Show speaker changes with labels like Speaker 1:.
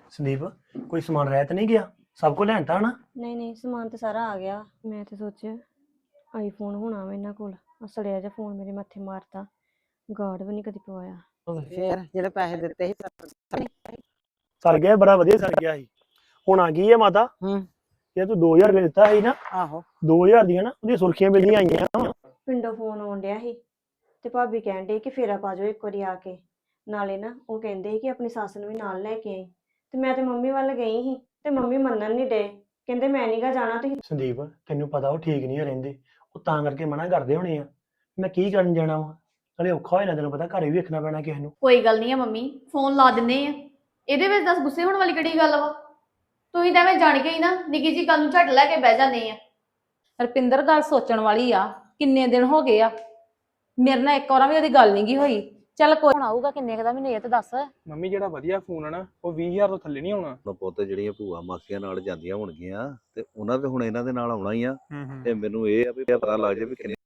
Speaker 1: ਸੰਦੀਪ ਕੋਈ ਸਮਾਨ ਰਹਿ ਤਾਂ ਨਹੀਂ ਗਿਆ? ਸਭ ਕੁਝ ਲੈਣ ਤਾਂ ਨਾ?
Speaker 2: ਨਹੀਂ ਨਹੀਂ ਸਮਾਨ ਤੇ ਸਾਰਾ ਆ ਗਿਆ। ਮੈਂ ਤੇ ਸੋਚਿਆ ਆਈਫੋਨ ਹੋਣਾ ਵਾ ਇਹਨਾਂ ਕੋਲ। ਸੜਿਆ ਜਿਹਾ ਫੋਨ ਮੇਰੇ ਮੱਥੇ ਮਾਰਤਾ। ਗਾਰਡ ਵੀ ਨਹੀਂ ਕਦੀ ਪਵਾਇਆ।
Speaker 3: ਫੇਰ ਜਿਹੜੇ ਪੈਸੇ ਦਿੱਤੇ ਸੀ
Speaker 1: ਸਰ ਗਿਆ, ਬੜਾ ਵਧੀਆ ਸਰ ਗਿਆ ਸੀ। ਹੁਣ ਆ ਗਈ ਹੈ ਮਾਤਾ। ਇਹ ਤੂੰ 2000 ਰੁਪਏ ਦਿੱਤਾ ਸੀ ਨਾ,
Speaker 3: ਆਹੋ
Speaker 1: 2000 ਦੀਆਂ ਨਾ ਉਹਦੀਆਂ ਸੁਰਖੀਆਂ ਮਿਲਦੀਆਂ ਆਈਆਂ ਵਾਂ।
Speaker 2: ਪਿੰਡੋਂ ਫੋਨ ਆਉਣ ਡਿਆ ਸੀ ਤੇ ਭਾਬੀ ਕਹਿਣ ਡੇ ਕਿ ਫੇਰਾ ਪਾ ਜਾਓ ਇੱਕ ਵਾਰੀ ਆ ਕੇ। ਨਾਲੇ ਨਾ ਉਹ ਕਹਿੰਦੇ ਸੀ ਕਿ ਆਪਣੀ ਸੱਸ ਨੂੰ ਵੀ ਨਾਲ ਲੈ ਕੇ ਆਈ। ਤੇ ਮੈਂ ਤੇ ਮੰਮੀ ਵੱਲ ਗਈ ਸੀ ਤੇ ਮੰਮੀ ਮੰਨਣ ਨਹੀਂ ਡੇ। ਕਹਿੰਦੇ ਮੈਂ ਨੀ ਗਾ ਜਾਣਾ ਤੁਸੀਂ।
Speaker 1: ਸੰਦੀਪ ਤੈਨੂੰ ਪਤਾ ਉਹ ਠੀਕ ਨਹੀਂ ਰਹਿੰਦੇ, ਉਹ ਤਾਂ ਕਰਕੇ ਮਨਾ ਕਰਦੇ ਹੋਣੇ ਆ। ਮੈਂ ਕੀ ਕਰਨ ਜਾਣਾ ਵਾ? ਨਾਲੇ ਔਖਾ ਹੋਇਆ ਨਾ, ਤੈਨੂੰ ਪਤਾ ਘਰੇ ਵੀ ਵੇਖਣਾ ਪੈਣਾ ਕਿਸੇ ਨੂੰ।
Speaker 4: ਕੋਈ ਗੱਲ ਨਹੀਂ ਆ ਮੰਮੀ, ਫੋਨ ਲਾ ਦਿੰਦੇ ਆ। ਇਹਦੇ ਵਿੱਚ ਦੱਸ ਗੁੱਸੇ ਹੋਣ ਵਾਲੀ ਕਿਹੜੀ ਗੱਲ ਵਾ? ਤੁਸੀਂ ਤਾਂ ਐਵੇਂ ਜਾਣ ਕੇ ਹੀ ਨਾ ਨਿੱਕੀ ਜੀ ਗੱਲ ਨੂੰ ਝੱਟ ਲੈ ਕੇ ਬਹਿ ਜਾਂਦੇ ਆ।
Speaker 5: ਰਪਿੰਦਰ ਗੱਲ ਸੋਚਣ ਵਾਲੀ ਆ। ਕਿੰਨੇ ਦਿਨ ਹੋ ਗਏ ਆ ਮੇਰੇ ਨਾਲ ਇੱਕ ਵਾਰ ਵੀ ਉਹਦੀ ਗੱਲ ਨਹੀਂ ਗਈ ਹੋਈ। ਚੱਲ ਕੋਈ ਹੁਣ ਆਊਗਾ ਕਿੰਨੇ ਕੁ ਦਾ ਮੈਨੂੰ ਇਹ ਤਾਂ ਦੱਸ।
Speaker 6: ਮੰਮੀ ਜਿਹੜਾ ਵਧੀਆ ਫੋਨ ਆ ਨਾ ਉਹ 20000 ਤੋਂ ਥੱਲੇ ਨਹੀਂ ਆਉਣਾ।
Speaker 7: ਪੁੱਤ ਜਿਹੜੀਆਂ ਭੂਆ ਮਾਸੀਆਂ ਨਾਲ ਜਾਂਦੀਆਂ ਹੋਣਗੀਆਂ ਤੇ ਉਹਨਾਂ ਤੇ ਹੁਣ ਇਹਨਾਂ ਦੇ ਨਾਲ ਆਉਣਾ ਹੀ ਆ। ਤੇ ਮੈਨੂੰ ਇਹ ਆ ਵੀ ਪਤਾ ਲੱਗ ਜਾਏ ਵੀ ਕਿੰਨੇ